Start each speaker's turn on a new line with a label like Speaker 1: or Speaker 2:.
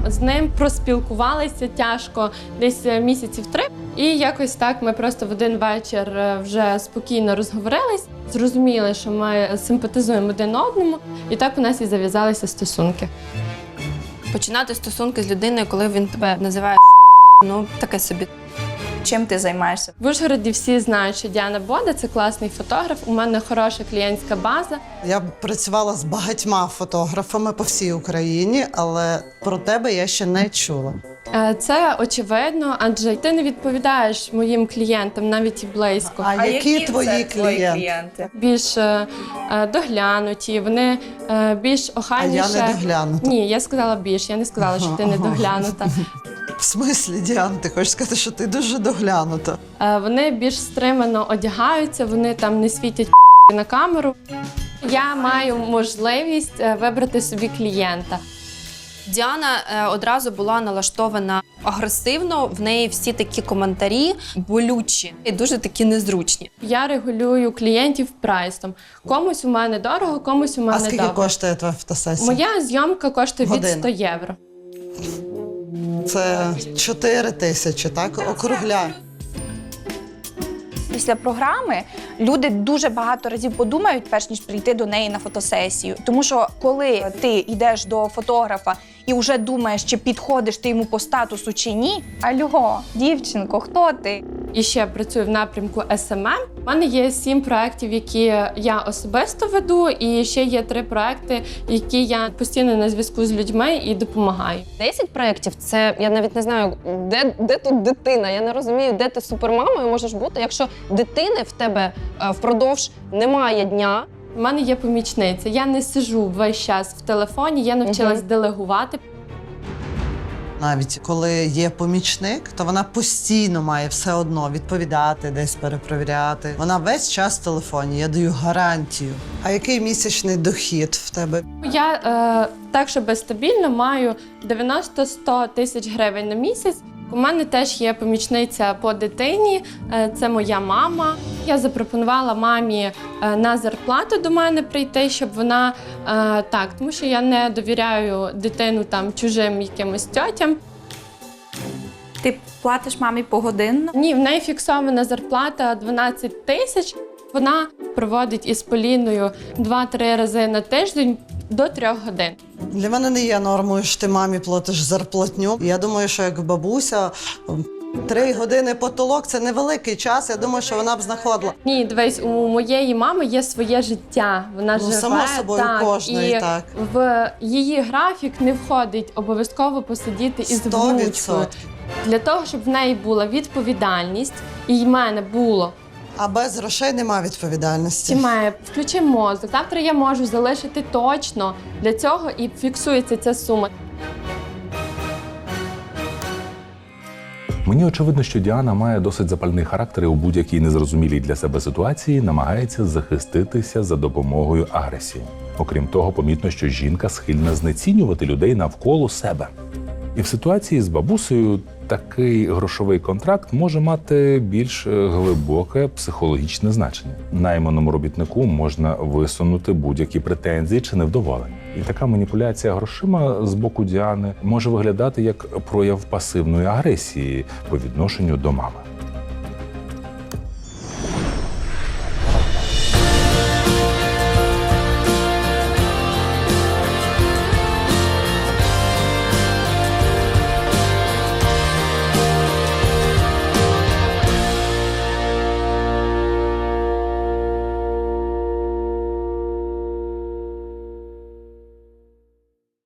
Speaker 1: з ним проспілкувалися тяжко десь місяців 3. І якось так ми просто в один вечір вже спокійно розговорились, зрозуміли, що ми симпатизуємо один одному, і так у нас і зав'язалися стосунки.
Speaker 2: Починати стосунки з людиною, коли він тебе називає шлюхою, таке собі.
Speaker 3: Чим ти займаєшся?
Speaker 1: В Ужгороді всі знають, що Діана Бода – це класний фотограф, у мене хороша клієнтська база.
Speaker 4: Я працювала з багатьма фотографами по всій Україні, але про тебе я ще не чула.
Speaker 1: Це очевидно, адже ти не відповідаєш моїм клієнтам навіть і близько.
Speaker 4: А які твої
Speaker 3: це
Speaker 4: клієнти?
Speaker 1: Більш доглянуті, вони більш
Speaker 4: А
Speaker 1: охайніше.
Speaker 4: я не доглянута.
Speaker 1: Ні, я сказала більш, я не сказала, що ти не доглянута.
Speaker 4: В смислі, Діан, ти хочеш сказати, що ти дуже доглянута?
Speaker 1: Вони більш стримано одягаються, вони там не світять на камеру. Я маю можливість вибрати собі клієнта.
Speaker 2: Діана одразу була налаштована агресивно, в неї всі такі коментарі болючі і дуже такі незручні.
Speaker 1: Я регулюю клієнтів прайсом. Комусь у мене дорого, комусь у мене
Speaker 4: А скільки
Speaker 1: дорого.
Speaker 4: коштує твоя фотосесія?
Speaker 1: Моя зйомка коштує від
Speaker 4: Година.
Speaker 1: 100 євро.
Speaker 4: Це 4 тисячі, так? Округляй.
Speaker 3: Після програми люди дуже багато разів подумають, перш ніж прийти до неї на фотосесію. Тому що коли ти йдеш до фотографа і вже думаєш, чи підходиш ти йому по статусу чи ні, альо, дівчинко, хто ти?
Speaker 1: І ще працюю в напрямку SMM. У мене є 7 проєктів, які я особисто веду, і ще є 3 проєкти, які я постійно на зв'язку з людьми і допомагаю.
Speaker 5: 10 проєктів – це, я навіть не знаю, де тут дитина. Я не розумію, де ти супермамою можеш бути, якщо дитини в тебе впродовж немає дня.
Speaker 1: У мене є помічниця. Я не сиджу весь час в телефоні, я навчилась делегувати.
Speaker 4: Навіть коли є помічник, то вона постійно має все одно відповідати, десь перепровіряти. Вона весь час в телефоні, я даю гарантію. А який місячний дохід в тебе?
Speaker 1: Я так, щоб стабільно маю 90-100 тисяч гривень на місяць. У мене теж є помічниця по дитині, це моя мама. Я запропонувала мамі на зарплату до мене прийти, щоб вона тому що я не довіряю дитину там чужим якимось тьотям.
Speaker 3: Ти платиш мамі погодинно?
Speaker 1: Ні, в неї фіксована зарплата 12 тисяч. Вона проводить із Поліною 2-3 рази на тиждень до 3 годин.
Speaker 4: Для мене не є нормою, що ти мамі платиш зарплатню. Я думаю, що як бабуся, 3 години потолок – це невеликий час. Я думаю, що вона б знаходила.
Speaker 1: Ні, дивись, у моєї мами є своє життя. Вона живе,
Speaker 4: само собою, кожної,
Speaker 1: і
Speaker 4: так.
Speaker 1: в її графік не входить обов'язково посидіти із
Speaker 4: 100%.
Speaker 1: внучкою. Для того, щоб в неї була відповідальність, і в мене було.
Speaker 4: А без грошей немає відповідальності.
Speaker 1: Чи має включи мозок. Завтра я можу залишити точно для цього і фіксується ця сума.
Speaker 6: Мені очевидно, що Діана має досить запальний характер і у будь-якій незрозумілій для себе ситуації намагається захиститися за допомогою агресії. Окрім того, помітно, що жінка схильна знецінювати людей навколо себе. І в ситуації з бабусею такий грошовий контракт може мати більш глибоке психологічне значення. Найманому робітнику можна висунути будь-які претензії чи невдоволення. І така маніпуляція грошима з боку Діани може виглядати як прояв пасивної агресії по відношенню до мами.